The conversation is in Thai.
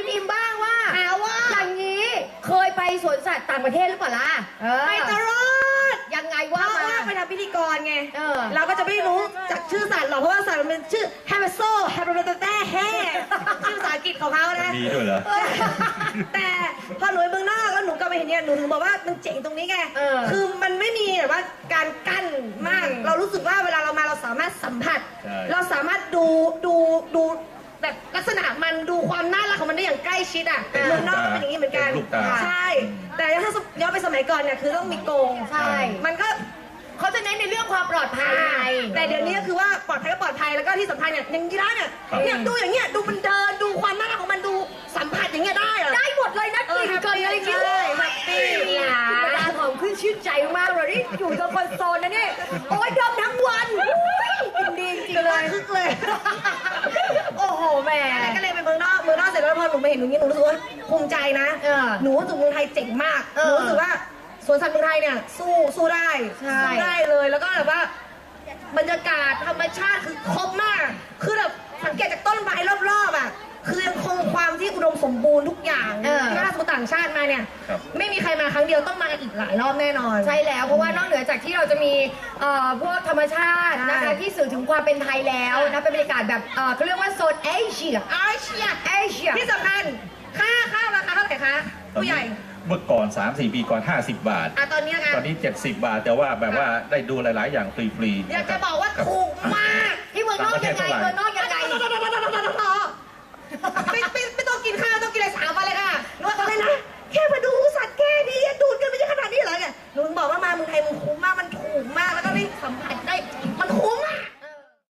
อิมบ้างว่าอย่างนี้เคยไปสวนสัตว์ต่างประเทศหรือเปล่าล่ะไปตลอดยังไงเพว่าราะมาว่าไปทำพิธีกรไงเราก็จะไม่รู้จากชื่อสัตว์หรอกเพราะว่าสัตว์มันเป็นชื่อแฮมโซแฮมเบอร์เต้แฮ่ชื่อภาษาอังกฤษของเขานะมีด้วยเหรอแต่พอหนูไปเมืองนอกแล้วหนูกลับไปเห็นเนี่ยหนูถึงบอกว่ามันเจ๋งตรงนี้ไงคือมันไม่มีแบบว่าการกั้นมากเรารู้สึกว่าเวลาเรามาเราสามารถสัมผัสเราสามารถดูแบบลักษณะมันดูความน่ารักของมันได้อย่างใกล้ชิดอ่ะเมืองนอกก็เป็นอย่างนี้เหมือนกันใช่แต่ถ้าย้อนไปสมัยก่อนเนี่ยคือต้องมีกรงใช่มันก็เขาจะเน้นในเรื่องความปลอดภัยแต่เดี๋ยวนี้คือว่าปลอดภัยก็ปลอดภัยแล้วก็ที่สำคัญเนี่ยอย่างยีราฟเนี่ยดูอย่างเงี้ยดูมันเดินดูความน่ารักของมันดูสัมผัสอย่างเงี้ยได้เหรอได้หมดเลยนะกินเกินอะไรกินเลยธรรมดาหอมขึ้นชื่นใจมากเลยนี่อยู่ตรงคอนโซลนะเนี่ยโอ้ยดมทั้งวันกินดีจริงเลยคึกเลยโอ้โหแม่ก็เลยไปเมืองนอกเสร็จแล้วพอหนูไปเห็นอย่างนี้หนูรู้สึกว่าภูมิใจนะหนูรู้สึกเมืองไทยเจ๋งมากหนูรู้สึกว่าสวนสัตว์เมืองไทยเนี่ยสู้ได้เลยแล้วก็แบบว่าบรรยากาศธรรมชาติคือครบมากคือแบบสังเกตจากต้นไม้รอบๆอ่ะคือยังคงความที่อุดมสมบูรณ์ทุกอย่างถ้าสมมติต่างชาติมาเนี่ยไม่มีใครมาครั้งเดียวต้องมาอีกหลายรอบแน่นอนใช่แล้วเพราะว่านอกเหนือจากที่เราจะมีพวกธรรมชาตินะคะที่สื่อถึงความเป็นไทยแล้วนะเป็นบรรยากาศแบบเขาเรียกว่าโซนเอเชียที่สำคัญค่าข้าวราคาเท่าไหร่คะผู้ใหญ่เมื่อก่อน 3-4 ปีก่อน50 บาทตอนนี้ตอนนี้70 บาทแต่ว่าแบบว่าได้ดูหลายๆอย่างฟรีๆอยากจะบอกว่าถูกมากที่เมืองนอกยังไงเมืองนอก